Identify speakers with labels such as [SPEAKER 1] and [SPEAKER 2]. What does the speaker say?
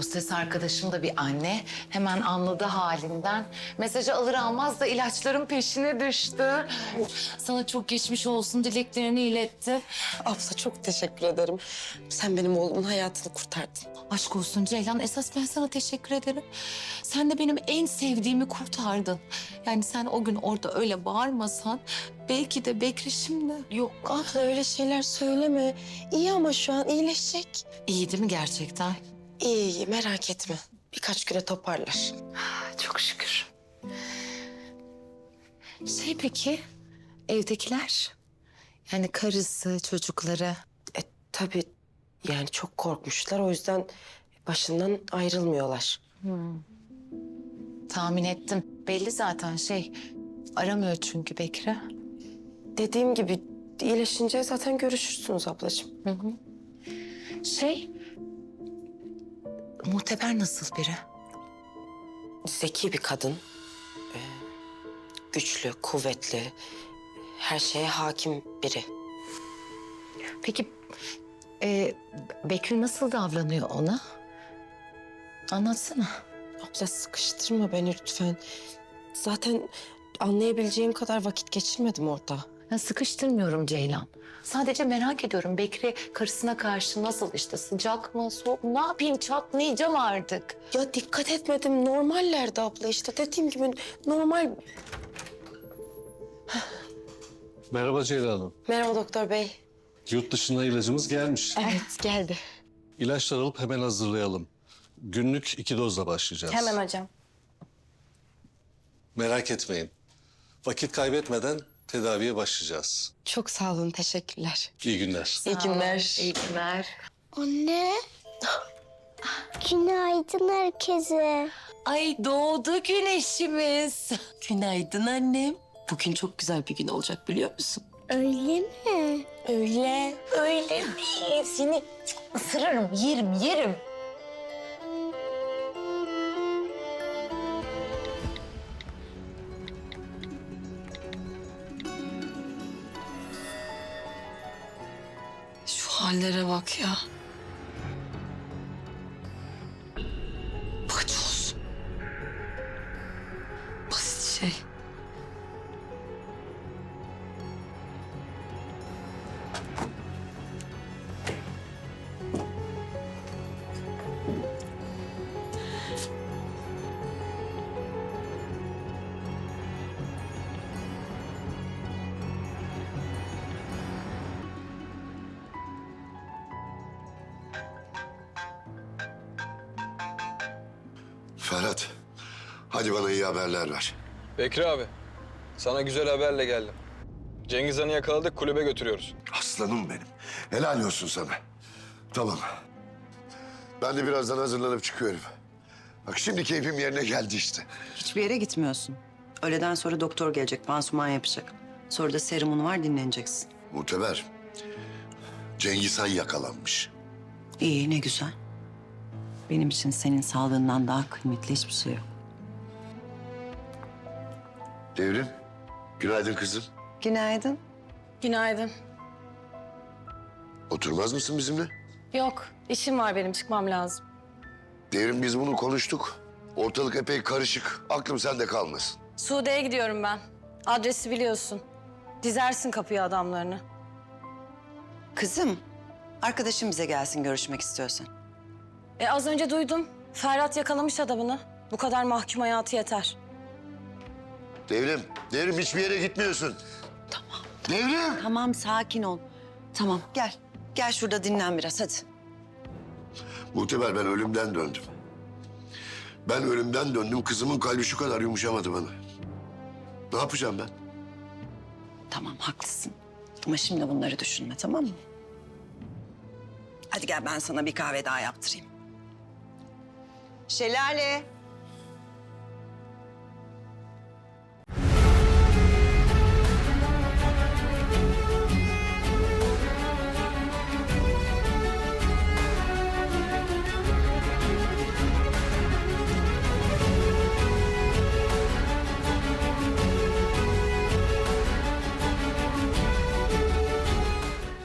[SPEAKER 1] Hostes arkadaşım da bir anne. Hemen anladı halinden. Mesajı alır almaz da ilaçların peşine düştü. Sana çok geçmiş olsun dileklerini iletti.
[SPEAKER 2] Abla çok teşekkür ederim. Sen benim oğlumun hayatını kurtardın.
[SPEAKER 1] Aşk olsun Ceylan. Esas ben sana teşekkür ederim. Sen de benim en sevdiğimi kurtardın. Yani sen o gün orada öyle bağırmasan belki de Bekri şimdi.
[SPEAKER 2] Yok abla öyle şeyler söyleme. İyi ama şu an iyileşecek.
[SPEAKER 1] İyi değil mi gerçekten?
[SPEAKER 2] İyi merak etme. Birkaç güne toparlar.
[SPEAKER 1] Çok şükür. Peki, evdekiler? Yani karısı, çocukları.
[SPEAKER 2] Tabii yani çok korkmuşlar. O yüzden başından ayrılmıyorlar.
[SPEAKER 1] Tahmin ettim. Belli zaten aramıyor çünkü Bekri.
[SPEAKER 2] Dediğim gibi iyileşince zaten görüşürsünüz ablacığım.
[SPEAKER 1] Muhteber nasıl biri?
[SPEAKER 2] Zeki bir kadın. Güçlü, kuvvetli. Her şeye hakim biri.
[SPEAKER 1] Peki Bekri nasıl davranıyor ona? Anlatsana.
[SPEAKER 2] Abla sıkıştırma beni lütfen. Zaten anlayabileceğim kadar vakit geçirmedim orada.
[SPEAKER 1] Ya sıkıştırmıyorum Ceylan. Sadece merak ediyorum Bekri karısına karşı nasıl sıcak mı soğuk mu? Ne yapayım çatlayacağım artık.
[SPEAKER 2] Ya dikkat etmedim. Normallerdi abla işte. Dediğim gibi normal.
[SPEAKER 3] Merhaba Ceylan Hanım.
[SPEAKER 2] Merhaba doktor bey.
[SPEAKER 3] Yurt dışından ilacımız gelmiş.
[SPEAKER 2] Evet geldi.
[SPEAKER 3] İlaçlar alıp hemen hazırlayalım. Günlük 2 dozla başlayacağız.
[SPEAKER 2] Hemen hocam.
[SPEAKER 3] Merak etmeyin. Vakit kaybetmeden tedaviye başlayacağız.
[SPEAKER 2] Çok sağ olun. Teşekkürler.
[SPEAKER 3] İyi günler.
[SPEAKER 2] İyi günler.
[SPEAKER 1] İyi günler.
[SPEAKER 4] Anne. Günaydın herkese.
[SPEAKER 1] Ay doğdu güneşimiz.
[SPEAKER 2] Günaydın annem. Bugün çok güzel bir gün olacak biliyor musun?
[SPEAKER 4] Öyle mi?
[SPEAKER 2] Öyle.
[SPEAKER 1] Öyle değil. Seni ısırırım, yerim.
[SPEAKER 2] Şu hallere bak ya. Paçoz. Basit şey.
[SPEAKER 5] Ferhat, hadi bana iyi haberler ver.
[SPEAKER 6] Bekri abi, sana güzel haberle geldim. Cengiz Han'ı yakaladık, kulübe götürüyoruz.
[SPEAKER 5] Aslanım benim. Helal olsun sana. Tamam. Ben de birazdan hazırlanıp çıkıyorum. Bak şimdi keyfim yerine geldi işte.
[SPEAKER 7] Hiçbir yere gitmiyorsun. Öğleden sonra doktor gelecek, pansuman yapacak. Sonra da serumun var, dinleneceksin.
[SPEAKER 5] Muteber, Cengiz Han yakalanmış.
[SPEAKER 7] İyi, ne güzel. Benim için senin sağlığından daha kıymetli hiçbir şey yok.
[SPEAKER 5] Devrim, günaydın kızım.
[SPEAKER 7] Günaydın.
[SPEAKER 2] Günaydın.
[SPEAKER 5] Oturmaz mısın bizimle?
[SPEAKER 2] Yok, işim var benim. Çıkmam lazım.
[SPEAKER 5] Devrim biz bunu konuştuk. Ortalık epey karışık. Aklım sende kalmasın.
[SPEAKER 8] Sude'ye gidiyorum ben. Adresi biliyorsun. Dizersin kapıya adamlarını.
[SPEAKER 7] Kızım, arkadaşım bize gelsin görüşmek istiyorsan.
[SPEAKER 8] Az önce duydum. Ferhat yakalamış adamını. Bu kadar mahkum hayatı yeter.
[SPEAKER 5] Devrim hiçbir yere gitmiyorsun. Tamam. Devrim!
[SPEAKER 7] Tamam, sakin ol. Tamam, gel. Gel şurada dinlen biraz, hadi.
[SPEAKER 5] Muteber ben ölümden döndüm. Ben ölümden döndüm. Kızımın kalbi şu kadar yumuşamadı bana. Ne yapacağım ben?
[SPEAKER 7] Tamam, haklısın. Ama şimdi bunları düşünme, tamam mı? Hadi gel ben sana bir kahve daha yaptırayım. Şelale.